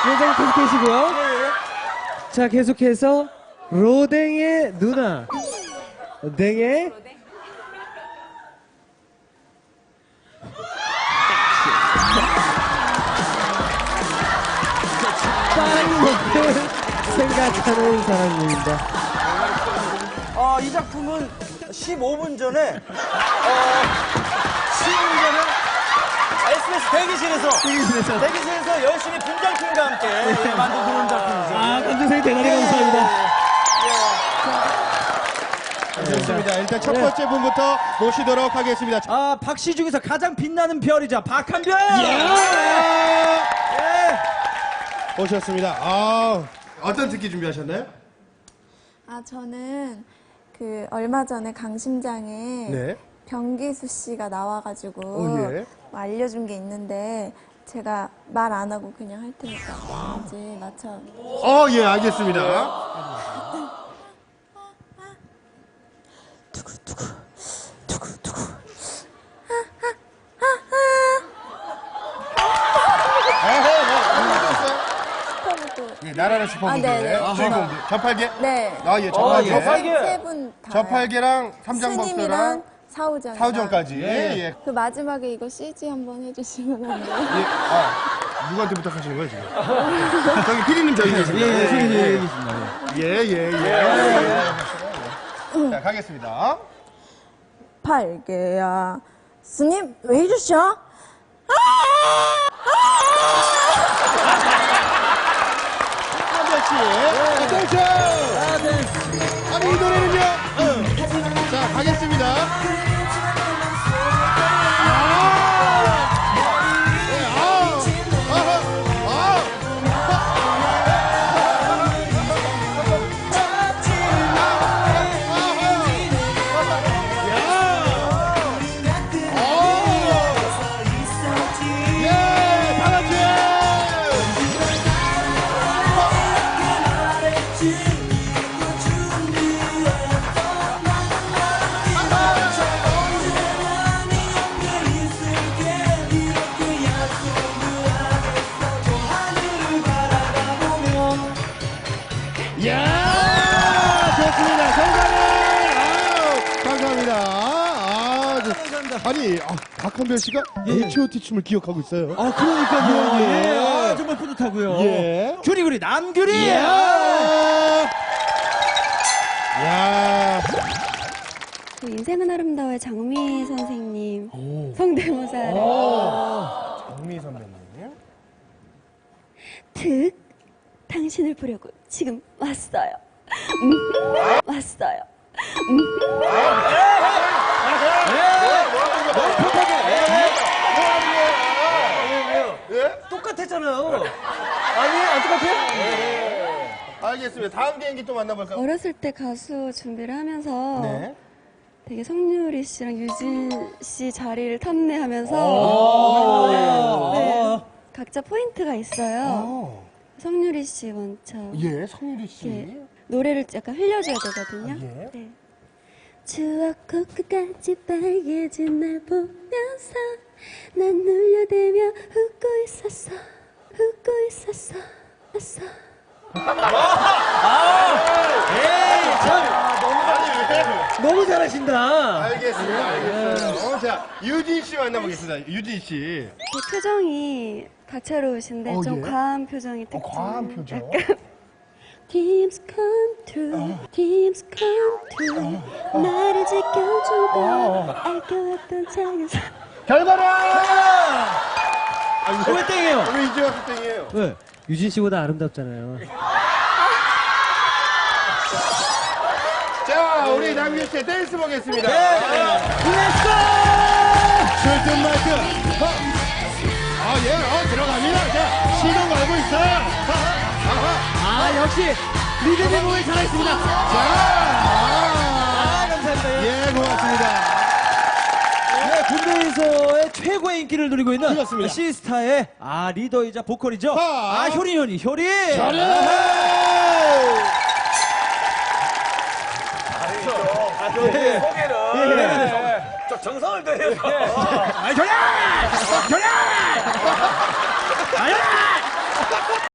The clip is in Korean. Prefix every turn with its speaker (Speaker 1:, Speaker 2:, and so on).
Speaker 1: 요정 계속 계시고요.
Speaker 2: 예.
Speaker 1: 자, 계속해서 로댕의 누나. 댕의 빵 먹을 생각하는 사람입니다.
Speaker 2: 이 작품은 15분 전에 SBS 대기실에서 열심히 분장팀과 함께 만든 그런 작품이죠.
Speaker 1: 아, 감독님 대단히 감사합니다.
Speaker 3: 좋습니다. 일단 첫 번째 분부터 모시도록 하겠습니다.
Speaker 2: 박씨 중에서 가장 빛나는 별이자 박한별!
Speaker 3: 오셨습니다. 어떤 특기 준비하셨나요?
Speaker 4: 저는 얼마 전에 강심장에
Speaker 3: 네.
Speaker 4: 변기수 씨가 나와가지고
Speaker 3: 예.
Speaker 4: 뭐 알려준 게 있는데 제가 말 안 하고 그냥 할 테니까 이제 맞춰.
Speaker 3: 예, 알겠습니다.
Speaker 4: 슈퍼부도.
Speaker 3: 예, 나라는 슈퍼무대
Speaker 4: 네.
Speaker 3: 주인공들. 저팔계?
Speaker 4: 네.
Speaker 3: 예, 저팔계.
Speaker 2: 저팔계.
Speaker 4: 세 분 다.
Speaker 3: 저팔계랑 삼장법사랑
Speaker 4: 스님이랑 사우정.
Speaker 3: 사우정까지. 예.
Speaker 4: 그 마지막에 이거 CG 한번 해주시면 안 돼요?
Speaker 3: 누구한테 부탁하시는 거예요, 지금? 저기 피디님 저기 계십니다. 자, 가겠습니다.
Speaker 4: 팔개야. 스님, 왜 이러셔?
Speaker 3: 한별 씨, 땡큐! 아니, 이 노래는요? 자, 가겠습니다. 좋습니다. 감사합니다. 아니, 박한별 씨가 H.O.T 춤을 기억하고 있어요.
Speaker 2: 그러니까요.
Speaker 3: 예.
Speaker 2: 정말 뿌듯하고요.
Speaker 3: 예.
Speaker 2: 규리구리 남규리!
Speaker 3: 야.
Speaker 5: 인생은 아름다워의 장미 선생님 성대모사를
Speaker 3: 장미 선배님.
Speaker 5: 당신을 보려고 지금 왔어요. 왔어요.
Speaker 2: 똑같았잖아요. 안 똑같아요?
Speaker 3: 알겠습니다. 다음 개인기 또 만나볼까요?
Speaker 5: 어렸을 때 가수 준비를 하면서
Speaker 3: 네.
Speaker 5: 되게 성유리 씨랑 유진 씨 자리를 탐내하면서 네, 각자 포인트가 있어요. 성유리 씨 먼저
Speaker 3: 예, 성유리 씨.
Speaker 5: 이렇게 노래를 약간 흘려줘야 되거든요.
Speaker 3: 예.
Speaker 5: 네. 추억 코끝까지 빨개진 날 보면서 난 눌려대며 웃고 있었어.
Speaker 1: 너무 잘하신다.
Speaker 3: 알겠습니다. 알겠어요. 자, 유진 씨 만나보겠습니다. 유진 씨.
Speaker 5: 그 표정이 다채로우신데 좀
Speaker 3: 예?
Speaker 5: 과한 표정이 특징.
Speaker 3: 과한 표정.
Speaker 5: Dreams come true, dreams come true. 나를 지켜주고 아껴왔던 작은 사람.
Speaker 3: 결과는!
Speaker 1: 왜 땡이에요?
Speaker 3: 왜 이제 와서 땡이에요?
Speaker 1: 왜? 유진 씨보다 아름답잖아요.
Speaker 3: 자, 우리 남규 씨 댄스 보겠습니다.
Speaker 1: 렛츠고!
Speaker 3: 출든 마이크. 들어갑니다. 자, 시동 걸고 있어요.
Speaker 1: 역시 리듬의 몸을 잘했습니다. 감사합니다.
Speaker 3: 예, 고맙습니다.
Speaker 2: 군대에서의 최고의 인기를 누리고 있는
Speaker 3: 그렇습니다.
Speaker 2: 시스타의 리더이자 보컬이죠. 효리. 소개를. 저 정성을 들여서. 효리!